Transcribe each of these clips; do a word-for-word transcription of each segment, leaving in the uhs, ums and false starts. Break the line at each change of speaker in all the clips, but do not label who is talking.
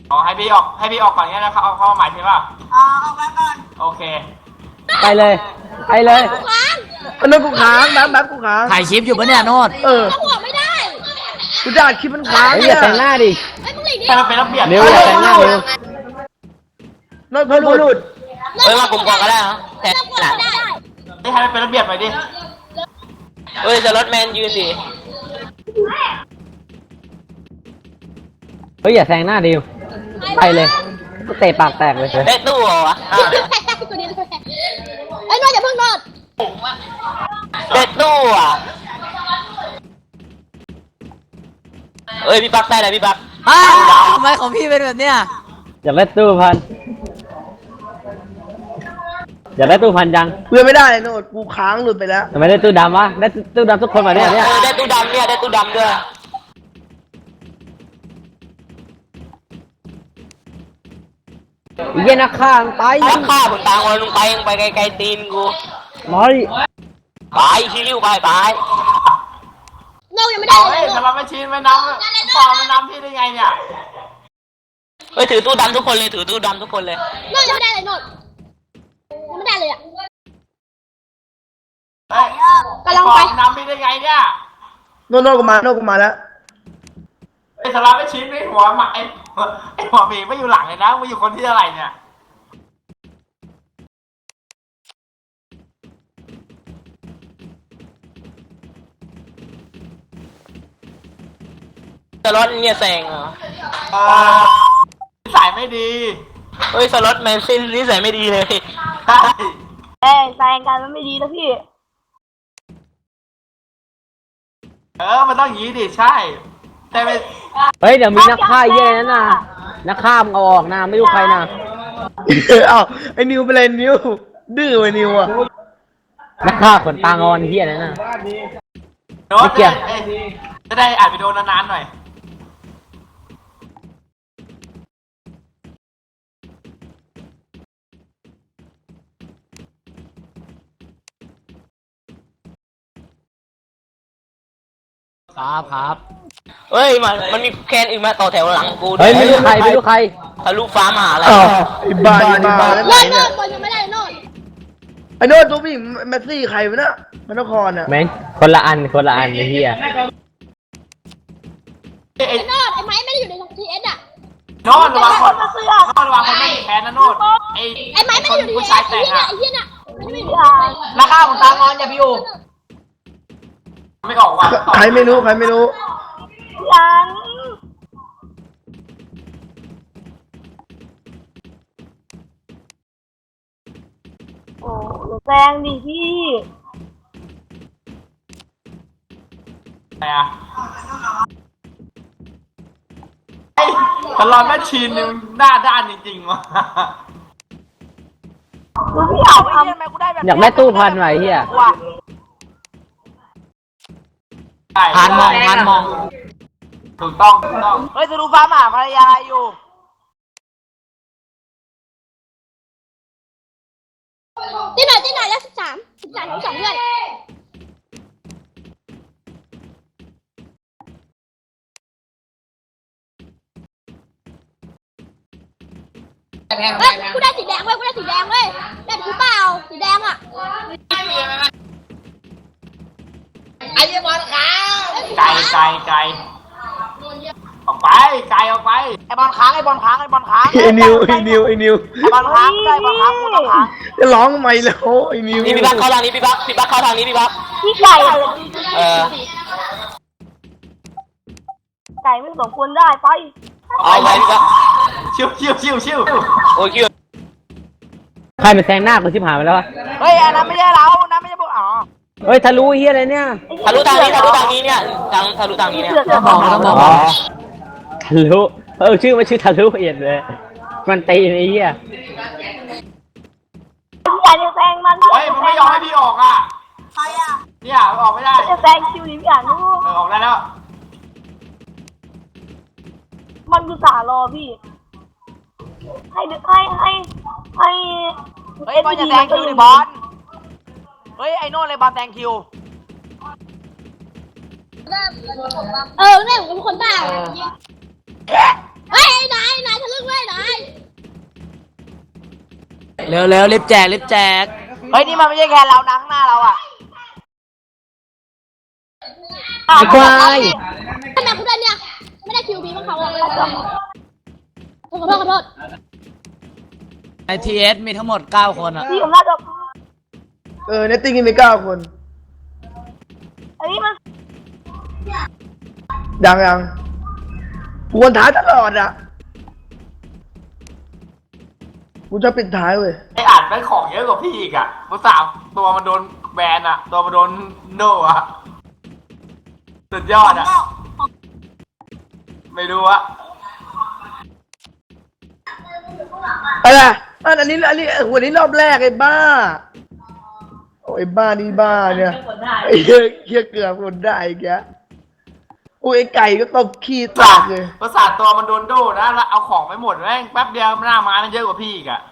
อ๋อให้พี่ออกให้พี่ออกก่อนงี้นะครับเอาเข้ามาใหม่ใช่ป่ะอ๋อเอาไว้ก่อนโอเค
ไปเลยไปเลย
โน้ตกูค้างแบบแบบกูค้าง
ถ่ายคลิปอยู่ปะเนี่ยโน้ต
เออ
หัวไม่ได้
กูจะอัดคลิปมันค้าง
อย่าแต่งหน้าดิ
ให้มันเป็นระเบียบ
เร็วอย่าแต่งหน้าเร็ว
โน้ตพอหลุด
เฮ้ยมาผมก่อนก็ได้เหรอแต่หลัง
ให้มันเป็นระเบียบหน่อยดิ
เฮ้ยจะรถแมนยืนดิ
เฮ้ยอย่าแซงหน้าดิวไปเลยเตะปากแตกเลย
ได้ตู้เหรอวะ
ไอ้นอดอย่าเพิ่งนอด
ได้ตู้อ่ะเอ้ยพี่ปักได้เลยพี่ปักทำไมของพี่เป็นแบบเนี้ย
อยากได้ตู้พันอยากได้ตู้พันยัง
เพื่อไม่ได้โน้ตกูค้างหลุดไปแล้ว
ทำไมได้ตู้ดำวะได้ตู้ดำทุกคนมาเนี่ยเนี่ย
ได้ตู้ดำเนี่ยได้ตู้ดำด้วย
เย็นนักข้างไป
นักฆ่าผมตามมาลงไปยังไปไกลๆตีนกู
ร้อย
ไปชิลิวไปไป
โน้ตยังไม่ได้
เฮ้ยทำไมไม่ชินไม่น้ำฟองไม่น้ำพี่ได้ไงเนี่ย
เฮ้ยถือตู้ดำทุกคนเลยถือตู้ดำทุกคนเลย
โน้ตยังไม่ได้เลยโน้ตยังไม่ได้เลยอ่ะ
เฮ้ยกำลังไปน้ำพี่ได้ไงเนี่ย
โน้ตโน้ตกูมาโน้ตกูมาแล้ว
ไอ้สลับไม่ชินไอ้หัวหมาไอ้ไอ้หัวหมีไม่อยู่หลังเลยนะไม่อยู่คนที่อะไรเนี่ย
สล็อตเนี่ยแซงเหรอ
เออนิสัยไม่ดี
เฮ้ยสล็อตแมนซินนิสัยไม่ดีเลย
ใช่
เอ้ยแซงกันมันไม่ดีนะพี่
เออมันต้องอย่างนี้ดิใช่แต่ไม่
เฮ้ยเดี๋ยวมีนักฆ่าเยอะนะนักฆ่ามเอาออกนะไม่รู้ใครนะ
เอ้าไอ้นิวเป็นไรนิวดื้อไอ้นิวอ่ะ
นักฆ่าขนตางอนเฮียนั่นน่ะ
โน้ตจะได้อ่านวิดีโอนานๆหน่อย
ครับครับเฮ้ยมันมันมีแคนอื่นมาต่อแถวหลังกู
เฮ้ยไม่รู้ใครไม่รู้ใคร
ทะลุฟ้ามาอะไร
ไอ้บ้าไอ้บ้า
โน้ตโน้ตยังไม่ได้โน้ต
ไอ้โน้ตตัวพี่แมสซี่ใครวะเนี่ยมันนครอ่ะ
แม่งคนละอันคนละอันไอ้เหี้ย
ไอ้โน้ตไอ้ไม้ไม่ได้อยู่ในทีเอสอ่ะ
โน้ตระวังคนโน้ตระวังคนไม่มีแขนนะโน้ตไอ้
ไอ้ไม้ไม่ได้อยู่ในทีเอสไอ้เหี้ยไอ้เหี้ยน่ะไม่ได้
ราคาของตางอนอย่าไปอยู่ไม่ออกว่ะ
ใครไม่รู้ใครไม่รู้
ยังโอ้แซงดิพี่
อะไรอ่ะไอ้ตลอดแม่ชีนนึงหน้าด้านจริงๆว่ะ
ดูพี่อยากทำ
อยากได้ตู้พันไว้เฮีย
ผ่านมองผ่านมอง
ถูกต้องถูกต้อง
เฮ้ยจะดูฟ้าหมาภรรยาอยู่
ที่ไหนที่ไหนแล้วสิบสามสิบสามของสองเพื่อนเฮ้ยกูได้สีแดงเว้ยกูได้สีแดงเว้ยได้กูเปล่าสีแดงอ่ะ
ไอ้ยี่บอลขาว
ไก่ไก่ไก่ออกไปไก่ออกไป
ไอ้บอลค้างไอ้บอลค้างไอ้บอลค้าง
ไอ้นิวไอ้นิวไอ้นิว
ไอ้บอลค้างไอ้บอลค้างกูต้องค้าง
จะร้องทำไมแล้วไอ้นิว
นี่พี่บักเข้าทางนี้พี่บักพี่บักเข้าทางนี้พี่บัก
พี่ไก่
เออ
ไก่ไม่สมควรได้ไป
เอาไปพี่บัก
ชิวชิวชิวชิว
โอ้ยคิว
ใครเป็นแซงหน้ากูชิบหายไปแล้ววะ
เฮ้ยอันนั้นไม่ใช่เรานั่นไม่ใช่พวกอ๋อ
เฮ้ยทะลุเฮียอะไรเนี่ย
ทะลุทางนี้ทะลุทางนี้เนี่ยทางทะลุทางนี้เนี่ย
ต้องบอกต้องบอกทะลุเออชื่อมันชื่อทะลุเอียดเลยมันตีไอ้เหี้ย
พี่ใหญ่จะแซงมัน
เฮ้ยมันไม่ยอมให้พี่ออกอ่ะใครอ่ะเนี่ยออกไม่ได้
จะแซงคิวนี้พี่อ่านลูก
เออออกได้แล้ว
มันคือสารอพี่ให้ให้ให้ให้
เฮ้ยบอลจะแซงคิวดิบอลเฮ้ยไอ้โน่เลยบอลแซงคิว
เออเนี่ยผมเป็นคนบ้าเฮ้ยไอ้นาย
นายทะลึ่งไว้นาย
เร็วเร็วรีบแจกรีบแจก
เฮ้ยนี่มันไม่ใช่แคนเรานะข้างหน้าเราอ่ะ
ไอ้ควาย
ขนาดกูได้เนี่ยไม่ได้คิวบีบ้างเขาอ่ะขอโทษขอโทษ
ไอทีเอสมีทั้งหมดเก้าคนอ่ะ
พี่ผมน่าจะ
เออเนตติ้งมีเก้าคน
อันนี้มัน
ยังยังกูวนท้ายตลอดอ่ะกูจะปิดท้ายเว้ย
ไอ้อ่านแม่งของเยอะกว่าพี่อีกอ่ะเมื่อสามตัวมันโดนแบนอ่ะ ตัวมันโดนโน่อ่ะสุดยอดอ่ะ ไม่รู้อะ
อะไรอันอันนี้อันนี้วันนี้รอบแรกไอ้บ้าโอ้ยบ้านี่บ้าเนี่ยไอ้เหี้ยเหี้ยเกือบคนได้อีกแกโอ้ยไอ้ไก่ก็ตบขี้แต
สาก
เลย
ประสาทตัวมันโดนโดนะแล้วเอาของไปหมดแม่งแป๊บเดียวหน้าไม้มันเยอะกว่าพี่อีกอ่ะ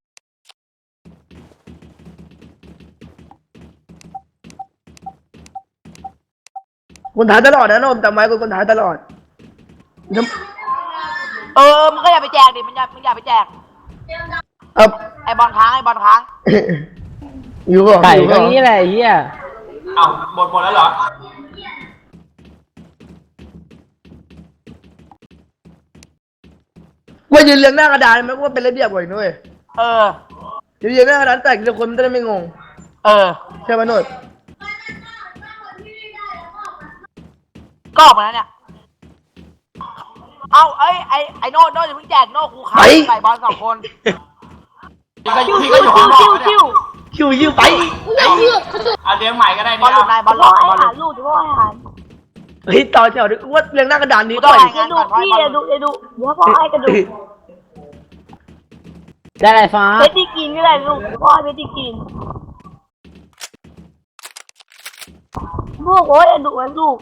คนท้ายตลอดนะโนมจำไว้กูคนท้ายตลอดน้ำ
เออมึงก็อย่าไปแจกดิมึงอย่ามึงอย่าไปแจก
เอา
ไอบอลค้างไอบอลค้าง
อยู่ก่อน
ไก่
อยู่
ก็
ก่อน
งี้แหละไอ้เหี้ย
เอาหมดหมดแล้วเหรอ
ว่ายืนเรียงหน้ากระดานมันก็ว่าเป็นระเบียบกว่าอีกนุ้ย
เออ
ยืนเรียงหน้ากระดานแต่ทีละคนมันจะได้ไม่งง
เออ
ใช่ไหมนุ้ย
ก็ออกมาแล้วเนี่ย เอาเอ้ย ไอ ไอโน่โน่อย่าเพิ่งแจกโน่กูขายใส่บอลสองคน
พี่ก็
คิว
พี่
คิ
ก็
ว
อยู่
คิ
ข้าง
วน
อก
คิว
นะ
คิ
เนี่ยว
คิวยืมไป
กูอยากเลือกขอโทษ
เอาเลี้ยงใหม่ก็ได้
บอล
เนี่ย
หลุดนายบอลห
พ่
ลุ
อ
ด
ให้
บอลห
หา
ลุด
ลูกพ่อให้หา
เฮ้ยต่อแถวดิว่าเรียงหน้ากระดานนี้
กูต้
ก่
อง
อน
รายงานก่อน
พี่อย่าดูอย่าดูเดี๋ยวพ่อให้กระดูก
ได้ไรฟ้า
เพชรที่กินก็ได้ลูกพ่อให้เพชรที่กินลูกโอ้ยดุไอ้ลูก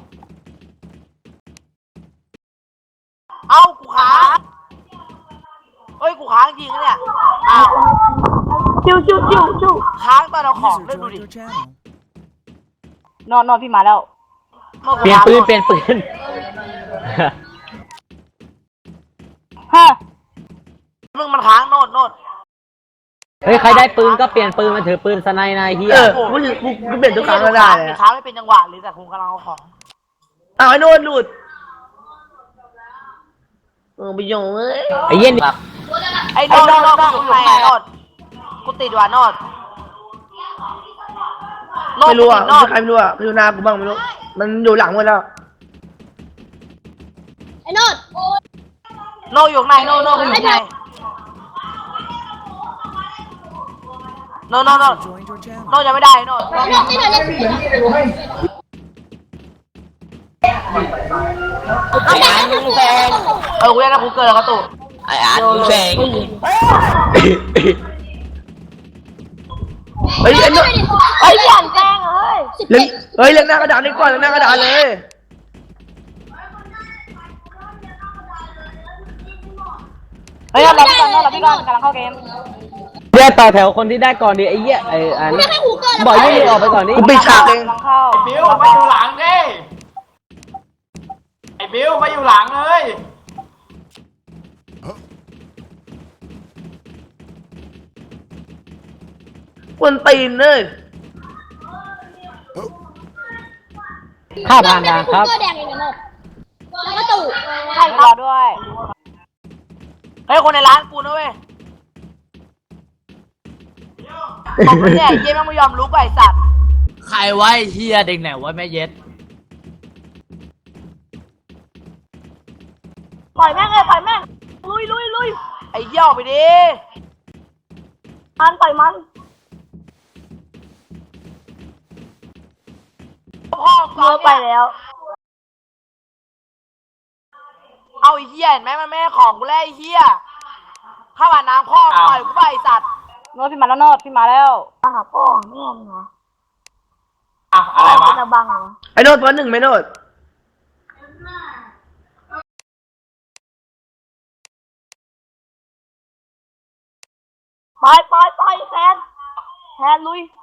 เอากูค้างเฮ้ย กูค้างจริงนะเนี่ย อ้าว
ชิวชิวชิวชิว
ค้างตอนเอาของเล่นดูดิ
นอนนอนพี่มาแล้ว
เปลี่ยนปืนเปลี่ยนปืน
ฮะ
มึงมันค้างโน่นโน่น
เฮ้ยใครได้ปืนก็เปลี่ยนปืนมาถือปืนสไนน์นายเฮีย
เออกูกูกูเปลี่ยนทุกครั้งก็ได้เลย
ค้างไม่เป็นจังหวะเลยแต่กูกำลังเอาของ
อ้าวไอ้โน่นหลุดเออไปโยงเอ้ย
ไอ้เหี้ยนี่
ไอ้โน่นโน่นโน่นกูอยู่ไหนโน่นกูติดว่ะโน่นโน่น
ไม่รู้อ่ะ
โน่น
ใครไม่รู้อ่ะไม่รู้หน้ากูบ้างไม่รู้มันอยู่หลังหมดแล้ว
ไอ้โนด
โน่อยู่ไหนโน่นโน่นกูอยู่ไหนโน่นโน่นโน่นโน่นยังไม่ได้โน่น
ไอ้โนดไอ้โนดเล่นเอาแต่ไม่ถูกแซง
เออกูยังได้กูเกินแล้วกระตุก
ไออาร์ตกูแซง
เฮ้ยไอ้โน่น
ไอ้ยันแกล้งเอ้ย
สิบ
เล่
เอ็
น
ด
เฮ้ยเล่นหน้ากระดานนี่ก่อนเล่นหน้ากระดานเลย
เฮ้ยเราพี่ก่อนเราพี่ก่อนกำลังเข้าเกม
เดี๋ยวต่อแถวคนที่ได้ก่อนดิไอ้เหี้ยไอ้อัน
ไม่ให้หูเกิน
บอกยี่นี่ออกไปก่อนดิ
กูปิดฉากเอง
กำลังเข้า
ไอ้บิวมาอยู่หลังดิไอ้บิวมาอยู่หลังเลย
กวนตีนเลย
ข้าผ่านทางครับ
หูเกินแดงเองนะโนดแล้วก็ตู่
ใช่รอด้วย
เฮ้ยคนในร้านกูนะเว้ยผมเนี่ยเยี่ยมไม่ยอมลุกไอ้สัตว์
ใครไว้เฮียเด็กไหนไว้แม่เย็ด
ปล่อยแม่งเลยปล่อยแม่งลุยลุยลุย
ไอ้เหี้ยออกไปดิ
มันปล่อยมัน
พ่อ
เมื่อไปแล้ว
เอาไอ้เหี้ยเห็นไหมมันไม่ให้ของกูแล้วไอ้เหี้ยข้าวหวานน้ำพ่อปล่อยกูไปไอ้สัตว์
โน้ตพี่มาแล้วโน้ตพี่มาแล้วมาหาพ่อแม่เหรอ
อ้าวอะไรวะ
จะบังเหรอ
ไอ้โน่นตัวหนึ่งไหมโน่น
ไปไปไปแทนแทนลุย